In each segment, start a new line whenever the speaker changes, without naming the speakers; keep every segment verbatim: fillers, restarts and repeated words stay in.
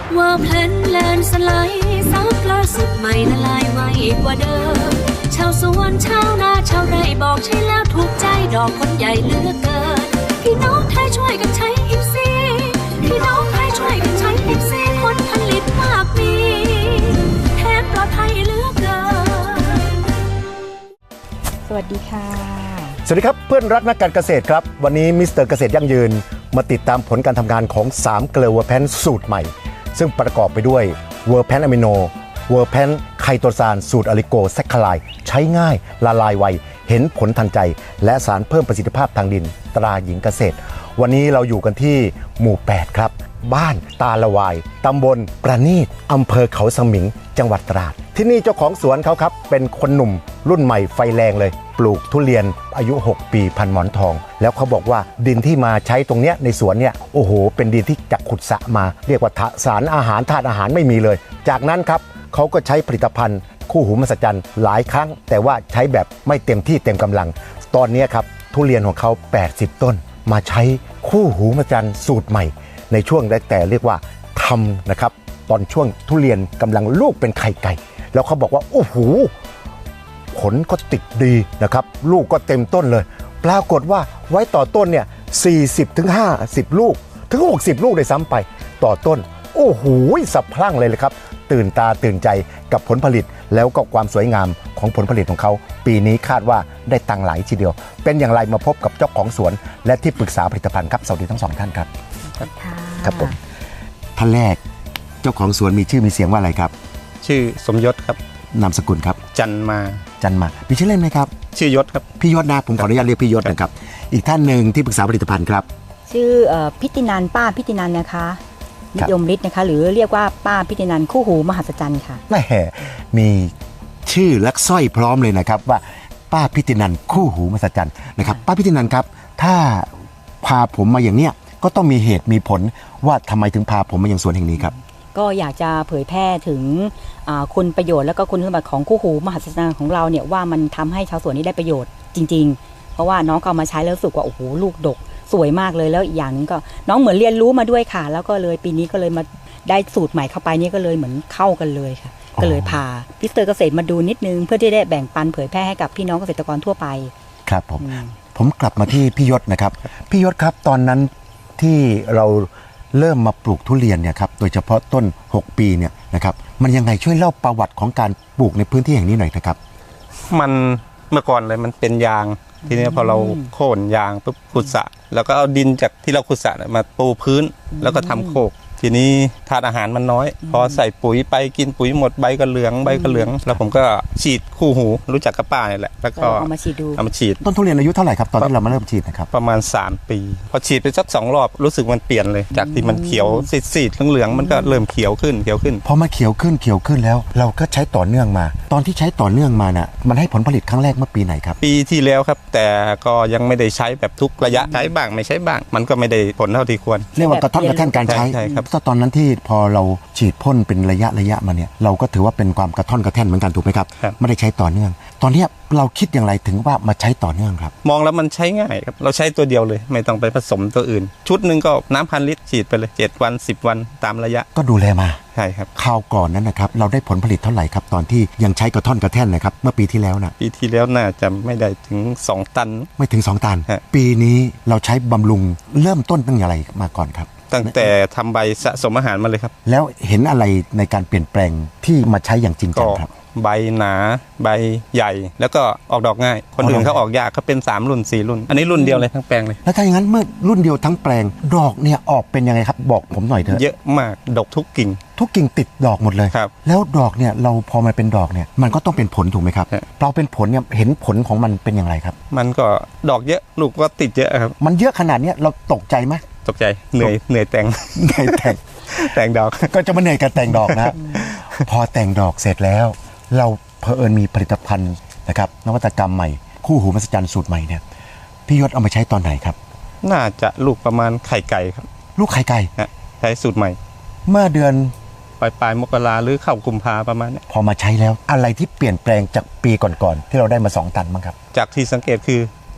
ว่าแพลนแลนสไลด์ซับล่าสุดใหม่ละลายไวกว่าเดิมชาวสวนชาวนาชาวไร่บอกใช่แล้วถูกใจดอกคนใหญ่เหลือเกินพี่น้องไทยช่วยกันใช้อิฟซีพี่น้องไทยช่วยกันใช้อิฟซีผลผลิตมากมีแทนปลอดภัยเหลือเกิน
สวัสดีค่ะ
สวัสดีครับเพื่อนรักนักการเกษตรครับวันนี้มิสเตอร์เกษตรยั่งยืนมาติดตามผลการทำงานของสามเกลือเวอร์แพนสูตรใหม่ซึ่งประกอบไปด้วยเวอร์แพนอะมิโนเวอร์แพนไคโตซานสูตรอะลิโกแซคคาไลใช้ง่ายละลายไวเห็นผลทันใจและสารเพิ่มประสิทธิภาพทางดินตราหญิงเกษตรวันนี้เราอยู่กันที่หมู่แปดครับบ้านตาละวายตำบลประณีตอำเภอเขาสมิงจังหวัดตราดที่นี่เจ้าของสวนเขาครับเป็นคนหนุ่มรุ่นใหม่ไฟแรงเลยปลูกทุเรียนอายุหกปีพันหมอนทองแล้วเขาบอกว่าดินที่มาใช้ตรงเนี้ยในสวนเนี่ยโอ้โหเป็นดินที่จากขุดสระมาเรียกว่าสารอาหารธาตุอาหารไม่มีเลยจากนั้นครับเขาก็ใช้ผลิตภัณฑ์คู่หูมหัศจรรย์หลายครั้งแต่ว่าใช้แบบไม่เต็มที่เต็มกำลังตอนนี้ครับทุเรียนของเขาแปดสิบต้นมาใช้คู่หูมหัศจรรย์สูตรใหม่ในช่วงแรกแต่เรียกว่าทำนะครับตอนช่วงทุเรียนกำลังลูกเป็นไข่ไก่แล้วเขาบอกว่าโอ้โหผลก็ติดดีนะครับลูกก็เต็มต้นเลยปรากฏว่าไว้ต่อต้นเนี่ยสี่สิบถึงห้าสิบลูกถึงหกสิบลูกได้ซ้ำไปต่อต้นโอ้โหสับพลั่งเลยเลยครับตื่นตาตื่นใจกับผลผลิตแล้วก็ความสวยงามของผลผลิตของเขาปีนี้คาดว่าได้ตังหลายทีเดียวเป็นอย่างไรมาพบกับเจ้าของสวนและที่ปรึกษาผลิตภัณฑ์ครับสวัสดีทั้งสองท่านครับครับผมท่านแรกเจ้าของสวนมีชื่อมีเสียงว่าอะไรครับ
ชื่อสมยศครับ
นามสกุลครับ
จันมา
จันมามีชื่อเล่นไหมครับ
ชื่อยศครับ
พี่ยศนะผมขออนุญาตเรียกพี่ยศนะครับอีกท่านหนึ่งที่ปรึกษาผลิตภัณฑ์ครับ
ชื่อพิตินันป้าพิตินันนะคะนิยมฤทธิ์นะคะหรือเรียกว่าป้าพิตินันคู่หูมหัศจรรย์ค่ะ
แม่มีชื่อและสร้อยพร้อมเลยนะครับว่าป้าพิตินันคู่หูมหัศจรรย์นะครับป้าพิตินันครับถ้าพาผมมาอย่างเนี้ยก็ต้องมีเหตุมีผลว่าทำไมถึงพาผมมาอย่างสวนแห่งนี้ครับ
ก็อยากจะเผยแพร่ถึงคุณประโยชน์และก็คุณสมบัติของคู่หูมหัศจรรย์ของเราเนี่ยว่ามันทำให้ชาวสวนนี้ได้ประโยชน์จริงๆเพราะว่าน้องเอามาใช้แล้วรู้สึกว่าโอ้โหลูกดกสวยมากเลยแล้วอีกอย่างนึงก็น้องเหมือนเรียนรู้มาด้วยค่ะแล้วก็เลยปีนี้ก็เลยมาได้สูตรใหม่เข้าไปนี่ก็เลยเหมือนเข้ากันเลยค่ะก็เลยพามิสเตอร์เกษตรมาดูนิดนึงเพื่อที่ได้แบ่งปันเผยแพร่ให้กับพี่น้องเกษตรกรทั่วไป
ครับผมผมกลับมาที่พี่ยศนะครับพี่ยศครับตอนนั้นที่เราเริ่มมาปลูกทุเรียนเนี่ยครับโดยเฉพาะต้นหกปีเนี่ยนะครับมันยังไงช่วยเล่าประวัติของการปลูกในพื้นที่แห่งนี้หน่อยนะครับ
มันเมื่อก่อนเลยมันเป็นยางทีนี้พอเราโค่นยางปุ๊บขุดสระแล้วก็เอาดินจากที่เราขุดสระมาปูพื้นแล้วก็ทำโคกทีนี้ธาตุอาหารมันน้อยพอใส่ปุ๋ยไปกินปุ๋ยหมดใบก็เหลืองใบก็เหลืองแล้วผมก็ฉีดคู่หูรู้จักกับป้าเนี่ยแหละแล้วก็
เอามาฉีดดู
เอามาฉีด
ต้นทุเรียนอายุเท่าไหร่ครับตอนที่เรามาเริ่มฉีดนะครับ
ประมาณสามปีพอฉีดไปสักสองรอบรู้สึกมันเปลี่ยนเลยจากที่มันเขียวซีดๆเหลืองๆมันก็เริ่มเขียวขึ้นเขียวขึ้น
พอมาเขียวขึ้นเขียวขึ้นแล้วเราก็ใช้ต่อเนื่องมาตอนที่ใช้ต่อเนื่องมาน่ะมันให้ผลผลิตครั้งแรกเมื่อปีไหนครับ
ปีที่แล้วครับแต่ก็ยังไม่ได้ใช้แบบทุกระยะใช้บ้างไม่ใช้บ้างมันก็ไม่ได้ผลเท่าที่ควร
เรียกว่ากระท่อนกระแท่นการใช้
ใช่ครับ
ตอนนั้นที่พอเราฉีดพ่นเป็นระยะระยะมาเนี่ยเราก็ถือว่าเป็นความกระท่อนกระแท่นเหมือนกันถูกไหมครับไม่ได้ใช้ต่อเนื่องตอนนี้เราคิดอย่างไรถึงว่ามาใช้ต่อเนื่องครับ
มองแล้วมันใช้ง่ายครับเราใช้ตัวเดียวเลยไม่ต้องไปผสมตัวอื่นชุดหนึ่งก็น้ำพันลิตรฉีดไปเลยเจ็ดวันสิบวันตามระยะ
ก็ดูแลมา
ใช่ครับ
คราวก่อนนั้นนะครับเราได้ผลผลิตเท่าไหร่ครับตอนที่ยังใช้กระท่อนกระแท่นนะครับเมื่อปีที่แล้วนะ
ปีที่แล้วน่าจะไม่ได้ถึงสองตัน
ไม่ถึงสองตันปีนี้เราใช้บำรุงเริ่มต้นตั้งอย่างไรมาก่อนครับ
ตั้งแต่ทำใบสะสมอาหารมาเลยครับ
แล้วเห็นอะไรในการเปลี่ยนแปลงที่มาใช้อย่างจริงจังครับ
ใบหนาใบใหญ่แล้วก็ออกดอกง่ายคนอื่นเขาออกยากเขาเป็นสามรุ่นสี่รุ่นอันนี้รุ่นเดียวเลยทั้งแปลงเลย
แล้วถ้าอย่างนั้นเมื่อรุ่นเดียวทั้งแปลงดอกเนี่ยออกเป็นยังไงครับบอกผมหน่อยเถอะ
เยอะมากดกทุกกิ่ง
ทุกกิ่งติดดอกหมดเลย
ครับ
แล้วดอกเนี่ยเราพอมันเป็นดอกเนี่ยมันก็ต้องเป็นผลถูกไหมครับเราเป็นผลเนี่ยเห็นผลของมันเป็นอย่างไรครับ
มันก็ดอกเยอะลูกก็ติดเยอะครับ
มันเยอะขนาดนี้เราตกใจไหม
ตกใจเหนื่อยเหนื่อยแต่ง
เหนื่อยแต่ง
แต่งดอก
ก็จะมาเหนื่อยกับแต่งดอกนะพอแต่งดอกเสร็จแล้วเราเผอิญมีผลิตภัณฑ์นะครับนวัตกรรมใหม่คู่หูมหัศจรรย์สูตรใหม่เนี่ยพี่ยศเอามาใช้ตอนไหนครับ
น่าจะลูกประมาณไข่ไก่ครับ
ลูกไข่ไก่
ใช้สูตรใหม่
เมื่อเดือน
ปลายปลายมกราหรือเข้ากุมภาประมาณนี้
พอมาใช้แล้วอะไรที่เปลี่ยนแปลงจากปีก่อนๆที่เราได้มาสองตันบ้างครับ
จากที่สังเกตคือ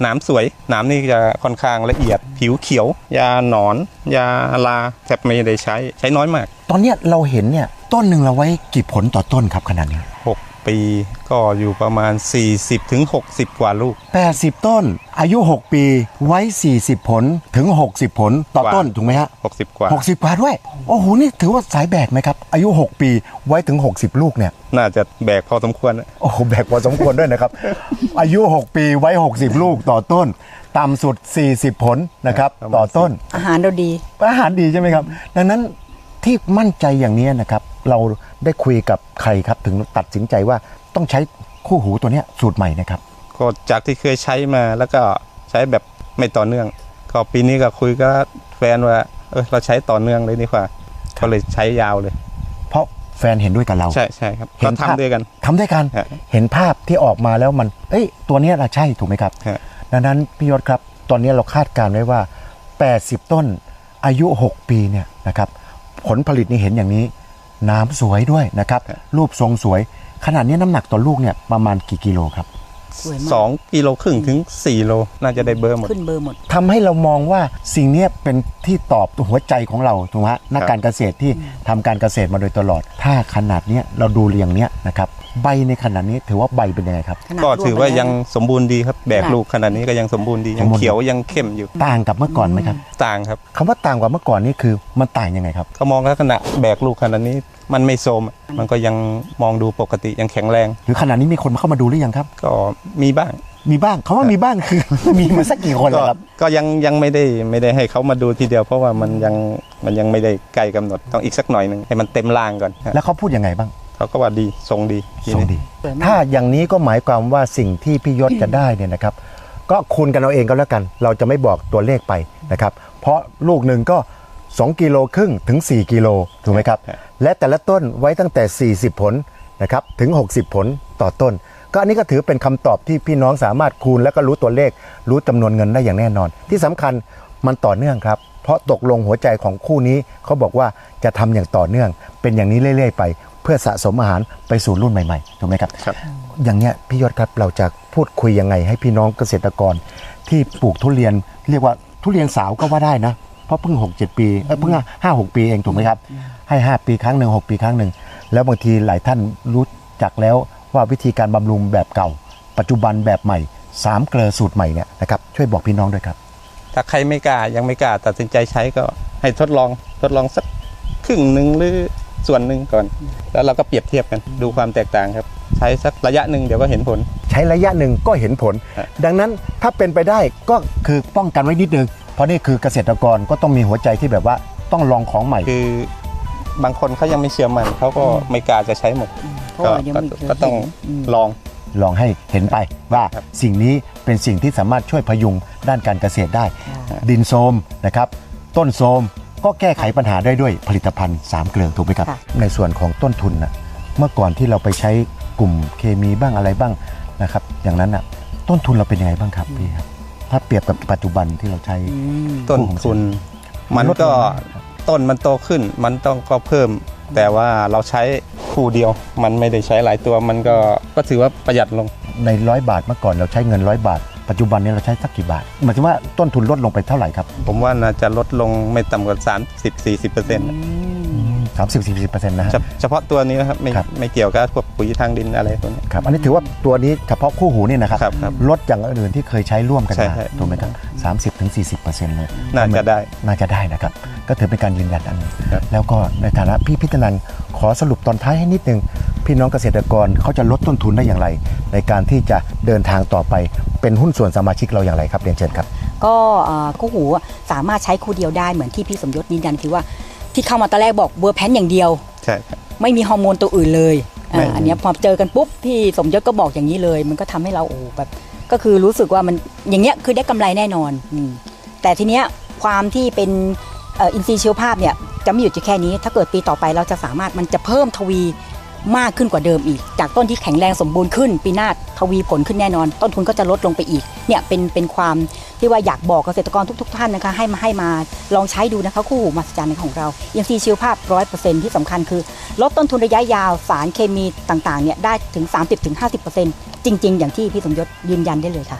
หนามสวยหนามนี่จะค่อนข้างละเอียดผิวเขียวยาหนอนยาลาแทบไม่ได้ใช้ใช้น้อยมาก
ตอนเนี้ยเราเห็นเนี่ยต้นหนึ่งเราไว้กี่ผลต่อต้นครับขนาดนี้
หกปีก็อยู่ประมาณ สี่สิบถึงหกสิบ กว่าลูก
แปดสิบต้นอายุหกปีไว้สี่สิบผลถึงหกสิบผลต่อต้นถูกไหมฮะ
หกสิบกว่า
หกสิบกว่าด้วยโอ้โหนี่ถือว่าสายแบกไหมครับอายุหกปีไว้ถึงหกสิบลูกเนี่ย
น่าจะแบกพอสมควร
โอ้โหแบกพอสมควรด้วยนะครับ อายุหกปีไว้หกสิบลูกต่อต้นต่ำสุดสี่สิบผลนะครับต่อต้น
อาหารเราดี
อาหารดีใช่ไหมครับดังนั้นที่มั่นใจอย่างนี้นะครับเราได้คุยกับใครครับถึงตัดสินใจว่าต้องใช้คู่หูตัวนี้สูตรใหม่นะครับ
ก็จากที่เคยใช้มาแล้วก็ใช้แบบไม่ต่อเนื่องก็ปีนี้ก็คุยกับแฟนว่าเออเราใช้ต่อเนื่องเลยดีกว่าก็เลยใช้ยาวเลย
เพราะแฟนเห็นด้วยกับเรา
ใช่ใช่ครับก็ทำด้วยกัน
ทำด้วยกันเห็นภาพที่ออกมาแล้วมันเอ้ยตัวนี้เราใช่ถูกไหมครับดังนั้นพี่ยศครับตอนนี้เราคาดการณ์ไว้ว่าแปดสิบต้นอายุหกปีเนี่ยนะครับผลผลิตนี่เห็นอย่างนี้น้ำสวยด้วยนะครับรูปทรงสวยขนาดนี้น้ำหนักต่อลูกเนี่ยประมาณกี่กิโลครับ
สองกิโลครึ่งถึงสี่โลน่าจะได้เบอร์หมด
ขึ้นเบอร์หมด
ทำให้เรามองว่าสิ่งนี้เป็นที่ตอบหัวใจของเราถูกไหมนักการเกษตรที่ทำการเกษตรมาโดยตลอดถ้าขนาดนี้เราดูเรียงเนี้ยนะครับใบในขนาดนี้ถือว่าใบเป็นยังไงครับ
ก็ถือว่ายังสมบูรณ์ดีครับแบกลูกขนาดนี้ก็ยังสมบูรณ์ดียังเขียวยังเข้มอยู่
ต่างกับเมื่อก่อนไหมครับ
ต่างครับ
คำว่าต่างกว่าเมื่อก่อนนี่คือมันต่างยังไงครับ
ก็มองลักษณะแบกลูกขนาดนี้มันไม่โทรมมันก็ยังมองดูปกติยังแข็งแรง
หรือขนาดนี้มีคนเข้ามาดูหรือยังครับ
ก็มีบ้าง
มีบ้างเขาว่ามีบ้างคือมีมาสักกี่คนแล้วครับ
ก็ยังยังไม่ได้ไม่ได้ให้เขามาดูทีเดียวเพราะว่ามันยังมันยังไม่ได้ใกล้กำหนดต้องอีกสักหน่อยนึงให้มันเต็มร่างก่อน
แล้วเขาพูดยังไงบ้าง
เขาก็ว่าดีทรงดี
ทรงดีถ้าอย่างนี้ก็หมายความว่าสิ่งที่พี่ยศจะได้เนี่ยนะครับก็คูณกันเอาเองก็แล้วกันเราจะไม่บอกตัวเลขไปนะครับเพราะลูกหนึ่งก็สองกิโลครึ่งถึงสี่กิโลถูกไหมครับและแต่ละต้นไว้ตั้งแต่สี่สิบผลนะครับถึงหกสิบผลต่อต้นก็อันนี้ก็ถือเป็นคำตอบที่พี่น้องสามารถคูณแล้วก็รู้ตัวเลขรู้จำนวนเงินได้อย่างแน่นอนที่สำคัญมันต่อเนื่องครับเพราะตกลงหัวใจของคู่นี้เขาบอกว่าจะทำอย่างต่อเนื่องเป็นอย่างนี้เรื่อยๆไปเพื่อสะสมอาหารไปสู่รุ่นใหม่ๆถูกไหมครับ
ครับ
อย่างเนี้ยพี่ยศครับเราจะพูดคุยยังไงให้พี่น้องเกษตรกรที่ปลูกทุเรียนเรียกว่าทุเรียนสาวก็ว่าได้นะเพราะเพิ่งหกเจ็ดปีเออเพิ่งห้าหกปีเองถูกไหมครับให้ห้าปีครั้งหนึ่งหกปีครั้งหนึ่งแล้วบางทีหลายท่านรู้จักแล้วว่าวิธีการบำรุงแบบเก่าปัจจุบันแบบใหม่สามเกลือสูตรใหม่เนี่ยนะครับช่วยบอกพี่น้องด้วยครับ
ถ้าใครไม่กล้ายังไม่กล้าตัดสินใจใช้ก็ให้ทดลองทดลองสักครึ่งหนึ่งหรือส่วนหนึ่งก่อนแล้วเราก็เปรียบเทียบกันดูความแตกต่างครับใช้สักระยะหนึ่งเดี๋ยวก็เห็นผล
ใช้ระยะหนึ่งก็เห็นผลดังนั้นถ้าเป็นไปได้ก็คือป้องกันไว้นิดนึงเพราะนี่คือเกษตรกรก็ต้องมีหัวใจที่แบบว่าต้องลองของใหม่
คือบางคนเขายังไม่เชื่อมันเขาก็ไม่กล้าจะใช้หมดก็ก็ต้องลอง
ลองให้เห็นไปว่าสิ่งนี้เป็นสิ่งที่สามารถช่วยพยุงด้านการเกษตรได้ดินโทรมนะครับต้นโทรมก็แก้ไขปัญหาได้ด้วยผลิตภัณฑ์สามเกลือถูกไหมครับในส่วนของต้นทุนนะเมื่อก่อนที่เราไปใช้กลุ่มเคมีบ้างอะไรบ้างนะครับอย่างนั้นอ่ะต้นทุนเราเป็นยังไงบ้างครับพี่ครับถ้าเปรียบกับปัจจุบันที่เราใช้
ต้นทุนมันก็ต้นมันโตขึ้นมันต้องก็เพิ่มแต่ว่าเราใช้คู่เดียวมันไม่ได้ใช้หลายตัวมันก็ก็ถือว่าประหยัดลง
ในร้อยบาทเมื่อก่อนเราใช้เงินร้อยบาทปัจจุบันนี้เราใช้สักกี่บาทหมายถึงว่าต้นทุนลดลงไปเท่าไหร่ครับ
ผมว่าน่าจะลดลงไม่ต่ำกว่า สามสิบถึงสี่สิบเปอร์เซ็นต์
สามสิบถึงสี่สิบเปอร์เซ็นต์ นะ
เฉพาะตัวนี้นะครับไม่ไม่เกี่ยวกับพวกปุ๋ยทางดินอะไรพวกนี้
ครับอันนี้ถือว่าตัวนี้เฉพาะคู่หูนี่นะครับลดอย่างอื่นที่เคยใช้ร่วมกันมาถูกไหมครับ สามสิบถึงสี่สิบเปอร์เซ็นต์ เลย
น่าจะได้
น่าจะได้นะครับก็ถือเป็นการยืนยันอันนึงแล้วก็ในฐานะพี่พิจารณาขอสรุปตอนท้ายให้นิดนึงพี่น้องเกษตรกรเขาจะลดต้นทุนได้อย่างไรในการที่จะเดินทางต่อไปเป็นหุ้นส่วนสมาชิกเราอย่างไรครับเรียนเชิญครับ
ก็คู่หูสามารถใช้คู่เดียวได้เหมือนที่พี่สมยศยืนยันคือว่าที่เข้ามาตอนแรกบอกเวอร์แพนอย่างเดียว
ใช่
ไม่มีฮอร์โมนตัวอื่นเลยอันนี้พอเจอกันปุ๊บพี่สมยศก็บอกอย่างนี้เลยมันก็ทำให้เราโอ้แบบก็คือรู้สึกว่ามันอย่างเงี้ยคือได้กำไรแน่นอนแต่ทีเนี้ยความที่เป็นอินทรีย์ชีวภาพเนี่ยจะไม่หยุดอยู่แค่นี้ถ้าเกิดปีต่อไปเราจะสามารถมันจะเพิ่มทวีมากขึ้นกว่าเดิมอีกจากต้นที่แข็งแรงสมบูรณ์ขึ้นปีหน้าทวีผลขึ้นแน่นอนต้นทุนก็จะลดลงไปอีกเนี่ยเป็นเป็นความที่ว่าอยากบอกเกษตรกรทุกๆท่านนะคะให้มาให้มาลองใช้ดูนะคะคู่หูมหัศจรรย์ของเราอินทรีย์ชีวภาพ ร้อยเปอร์เซ็นต์ ที่สำคัญคือลดต้นทุนระยะยาวสารเคมีต่างๆเนี่ยได้ถึง สามสิบถึงห้าสิบเปอร์เซ็นต์ จริงๆอย่างที่พี่สมยศยืนยันได้เลยค่ะ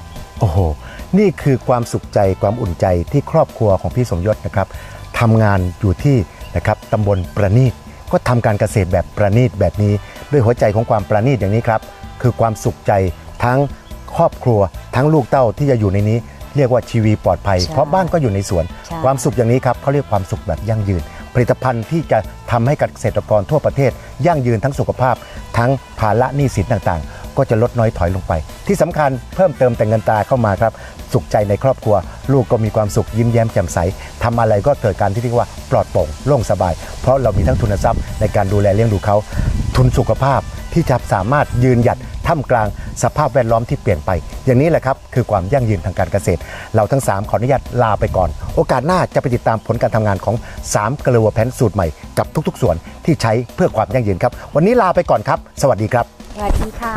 โอ้โหนี่คือความสุขใจความอุ่นใจที่ครอบครัวของพี่สมยศนะครับทำงานอยู่ที่นะครับตำบลประณีตก็ทำการเกษตรแบบประณีตแบบนี้ด้วยหัวใจของความประณีตอย่างนี้ครับคือความสุขใจทั้งครอบครัวทั้งลูกเต้าที่จะอยู่ในนี้เรียกว่าชีวีปลอดภัยเพราะบ้านก็อยู่ในสวนความสุขอย่างนี้ครับเขาเรียกความสุขแบบยั่งยืนผลิตภัณฑ์ที่จะทำให้เกษตรกรทั่วประเทศยั่งยืนทั้งสุขภาพทั้งภาระหนี้สินต่างๆก็จะลดน้อยถอยลงไปที่สำคัญเพิ่มเติมแต่เงินตราเข้ามาครับสุขใจในครอบครัวลูกก็มีความสุขยิ้มแย้มแจ่มใสทำอะไรก็เกิดการที่เรียกว่าปลอดโปร่งโล่งสบายเพราะเรามีทั้งทุนทรัพย์ในการดูแลเลี้ยงดูเขาทุนสุขภาพที่จะสามารถยืนหยัดท่ามกลางสภาพแวดล้อมที่เปลี่ยนไปอย่างนี้แหละครับคือความยั่งยืนทางการเกษตรเราทั้งสามขออนุญาตลาไปก่อนโอกาสหน้าจะไปติดตามผลการทำงานของสามเกลือแพนสูตรใหม่กับทุกๆส่วนที่ใช้เพื่อความยั่งยืนครับวันนี้ลาไปก่อนครับสวัสดีครับ
สวัสดีค่ะ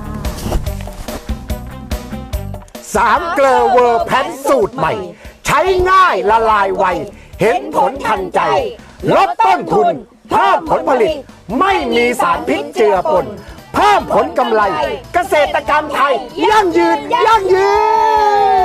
สามเกลือเวอร์แพนสูตรใหม่ใช้ง่ายละลายไวเห็นผลทันใจลดต้นทุนเพิ่มผลผลิตไม่มีสารพิษเจือปนเพิ่มผลกำไรเกษตรกรรมไทยยั่งยืนยั่งยืน